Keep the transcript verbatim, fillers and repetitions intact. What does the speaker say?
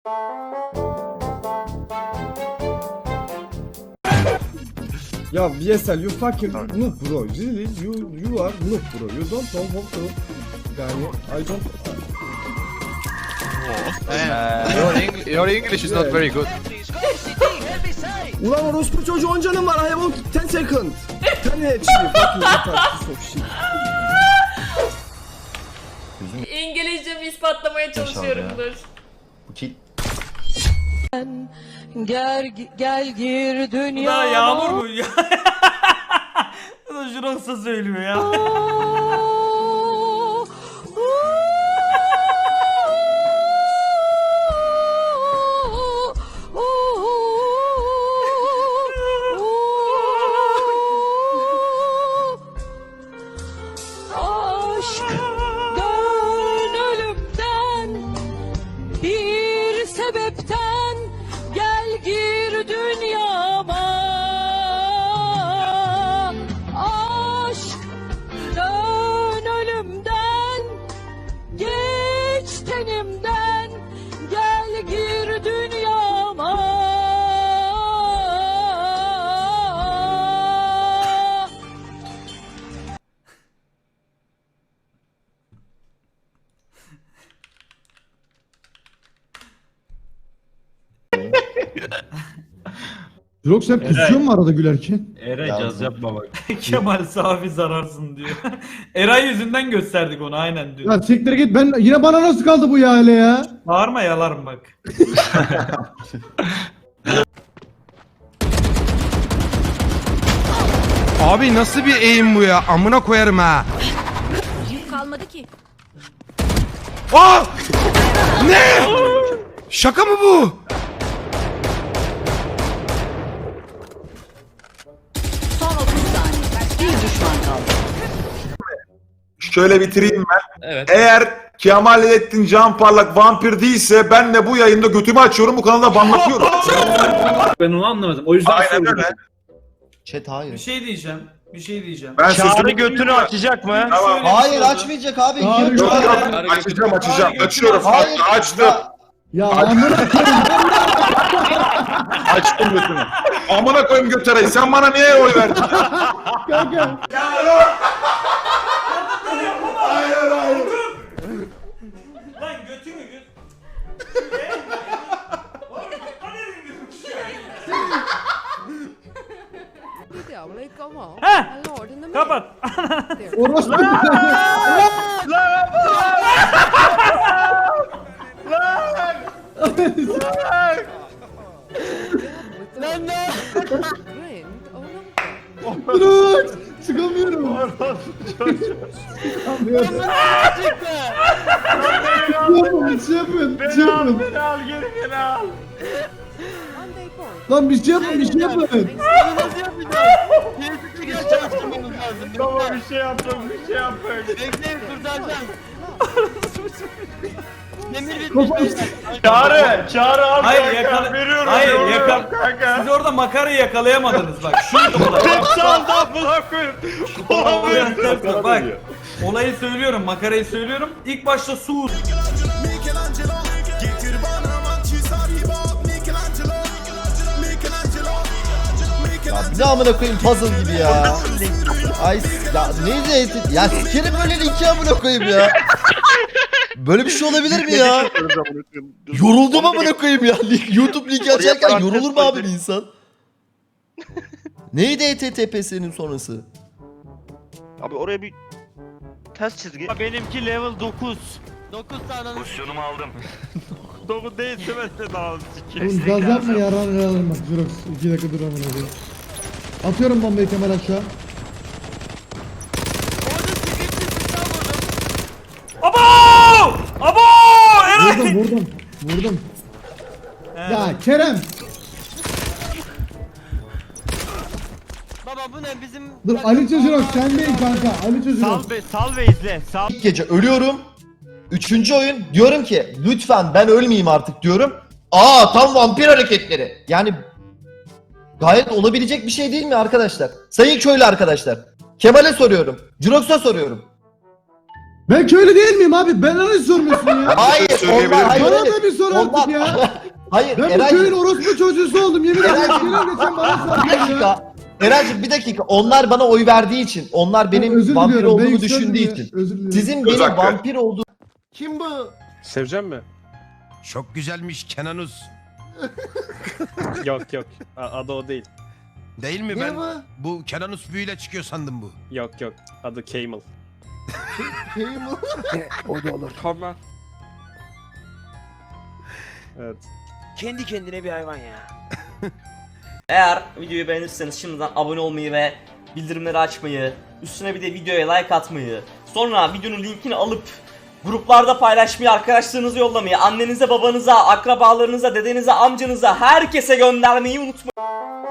Ya V S L, you fucking noob bro. Really, you you are noob bro. You don't know how to. Yani I don't. Uh, your, Eng your English is not very good. Ulan orospu çocuğu on canım var. I have ten second. ten H P. Fucking retard piece of shit. İngilizcemi ispatlamaya çalışıyorumdur. Gel gel gir dünya. Bu da Yağmur bu ya. Bu da Jurox'a söylüyor ya. Aşk dön ölümden bir sebepten gel gir dünyama. Aşk dön ölümden geç tenimden gel gir dünyama. Yok sen kusuyor mu arada gülerken? Eray caz yapma bak. Kemal Safi zararsın diyor. Eray yüzünden gösterdik onu aynen diyor. Ya siktir git, ben yine bana nasıl kaldı bu ya hele ya? Bağırma yalarım bak. Abi nasıl bir eğim bu ya? Amına koyarım ha. Kalmadı ki. Aa! Ne? Şaka mı bu? Son otuz saniye. Bir düşman kaldı. Şöyle bitireyim ben. Evet. Eğer Kemalettin Can Parlak vampir değilse ben de bu yayında götümü açıyorum, bu kanalda banlatıyorum. Ben onu anlamadım. O yüzden Aynen öyle. Chat hayır. Bir şey diyeceğim. Bir şey diyeceğim. Ben Çağrı sözümü götünü açacak mı? Tamam. Hayır açmayacak abi. Hayır, Yok, Yok hayır. yok açacağım açacağım. Açıyorum. Hayır. Açtım. Ya, Ya amına koyayım. Açtım götümü. Amına koyayım götüreyi. Sen bana niye oy verdin? Kanka. Hayır hayır. Lan götünü göt. Heh, kapat. Orospu. Bırak. Çıkamıyorum. Çıkamıyorum. Yapın, bir şey yapın, bir şey yapın. Beni al geri geri al. Lan bir şey yapın, bir şey yapın. Nasıl yapacağız? Kesinlikle geri çalıştırmamız lazım. Baba bir şey yaptım, bir şey yaptım. Bekleyin kurtaracağım. Demir bitmiş. Çağrı, çağrı al Hayır kanka. yakala. Veriyorum. Hayır veriyorum yakal. kanka. Siz orada makarayı yakalayamadınız bak. Şuydu olay. Hep saldı amına koyayım. Bak, bak olayı söylüyorum, makarayı söylüyorum. İlk başta su. Ya bir de amına koyayım puzzle gibi ya. Ay ya neydi? Ya sikerim böyle linki amına koyayım ya. Böyle bir şey olabilir mi ya? Yoruldum amına koyayım ya. Link- YouTube linki açarken yorulur mu abi bir insan? Neydi H T T P S'nin sonrası? Abi oraya bir ters çizgi. Benimki level dokuz. dokuz tane. Pozisyonumu aldım. dokuz değilse ben de daha sikeyim. Oğlum gaz yapma yaran yaran bak. Dur iki dakika dur amına koyayım. Atıyorum bombayı Kemal aşağı. Abo! Abo! Eray! Vurdum vurdum. Vurdum. Ya Kerem. Baba bu ne bizim... Dur Ali Çözürok sen değil kanka. Ali Çözürok. Sal be, sal ve izle. Sal. İlk gece ölüyorum. Üçüncü oyun diyorum ki lütfen ben ölmeyeyim artık diyorum. Aa tam vampir hareketleri. Yani gayet olabilecek bir şey değil mi arkadaşlar? Sayın köylü arkadaşlar. Kemal'e soruyorum. Jurox'a soruyorum. Ben köylü değil miyim abi? Ben nasıl sormuyorsun ya? Hayır, söyleyebilir onlar, hayır, Bana hayır. da bir sor artık Onlar- ya. Hayır, Ben bu Eraycığım, köyün orospu çocuğusu oldum. Yemin ederim. Eraycığım. Gelen geçen bana bir sarıyor ya. dakika. Eraycığım bir dakika. Onlar bana oy verdiği için, onlar benim Özür vampir diliyorum, ben olduğumu yükseldim düşündüğü ya. için. Özür dilerim. Sizin Söz benim hakkı. vampir olduğum Kim bu? Sevecen mi? Çok güzelmiş Kenanus. Yok yok. Adı o değil. Değil mi Ne ben? bu? Bu Kenanus büyüyle çıkıyor sandım bu. Yok yok. Adı Camel. Kim bu? O da olur. Tamam. Evet. Kendi kendine bir hayvan ya. Eğer videoyu beğenirseniz şimdiden abone olmayı ve bildirimleri açmayı, üstüne bir de videoya like atmayı, sonra videonun linkini alıp gruplarda paylaşmayı, arkadaşlarınıza yollamayı, annenize, babanıza, akrabalarınıza, dedenize, amcanıza, herkese göndermeyi unutmayın.